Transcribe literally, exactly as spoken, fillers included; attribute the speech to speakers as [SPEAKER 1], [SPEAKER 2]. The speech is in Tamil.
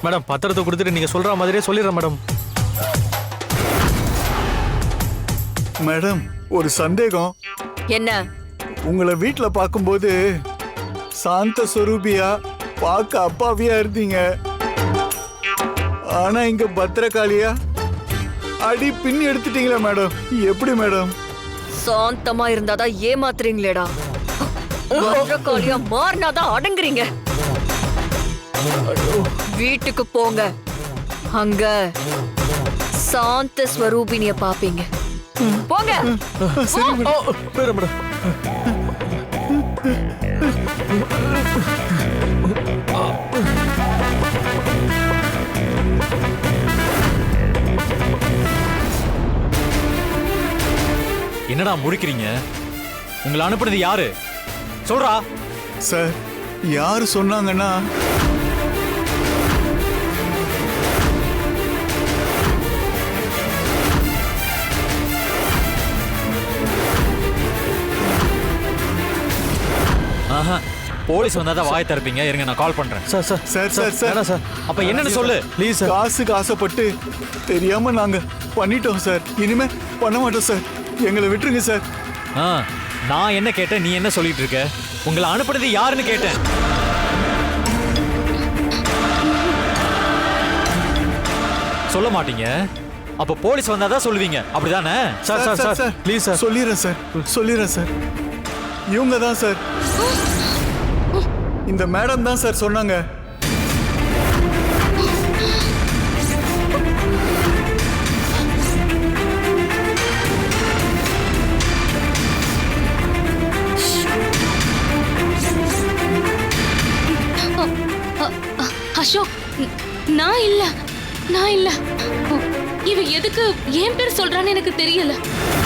[SPEAKER 1] மேடம் பத்திரத்தை கொடுத்துட்டு நீங்க சொல்ற மாதிரியே சொல்லிடுறேன் மேடம்.
[SPEAKER 2] மேடம் ஒரு சந்தேகம்.
[SPEAKER 3] என்ன?
[SPEAKER 2] உங்களை வீட்டுல பார்க்கும்போது சாந்த ஸ்வரூபியா பார்க்க அப்பாவியா இருந்தீங்க. ஆனா இங்க பத்திரகாளியா அடி பின் எடுத்துட்டீங்களா மேடம்? எப்படி மேடம்?
[SPEAKER 3] சாந்தமா இருந்தாதான் ஏமாத்துறீங்களேடா. பத்திரகாளியா மாறினாதான் அடங்குறீங்க. வீட்டுக்கு போங்க, அங்க சாந்த ஸ்வரூபினிய பாப்பீங்க. போங்க.
[SPEAKER 2] சரி மேடம்.
[SPEAKER 1] போயிடுறேன் மேடம். என்னடா முடிக்கிறீங்க? உங்களை அனுப்புனது யாரு சொல்றா?
[SPEAKER 2] சார் யாரு சொன்னாங்கன்னா
[SPEAKER 1] ஆஹா, போலீஸ் வந்தாதான் வாய் திறப்பீங்க. இருங்க நான் கால் பண்றேன். Sir sir
[SPEAKER 2] sir sir sir
[SPEAKER 1] வேணாம் சார். அப்ப என்னன்னு சொல்லு ப்ளீஸ் சார்.
[SPEAKER 2] காசுக்கு ஆசைப்பட்டு தெரியாம நாங்க பண்ணிட்டோம் சார். இனிமே பண்ண மாட்டோம் சார். எங்களை விட்டுருங்க சார்.
[SPEAKER 1] ஆ, நான் என்ன கேட்டேன், நீ என்ன சொல்லிட்டு இருக்க? உங்களை அனுப்புனது யாருன்னு கேட்டேன். சொல்ல மாட்டீங்க. அப்ப போலீஸ் வந்தாதான் சொல்லுவீங்க, அப்படிதானே? Sir sir sir please sir.
[SPEAKER 2] சொல்லிடுறேன் சார், சொல்லிடுறேன் சார். இவங்க தான் சார், இந்த மேடம் தான் சார் சொன்னாங்க.
[SPEAKER 4] அசோக், நான் இல்ல நான் இல்ல இவ எதுக்கு என் பேர் சொல்றான்னு எனக்கு தெரியல.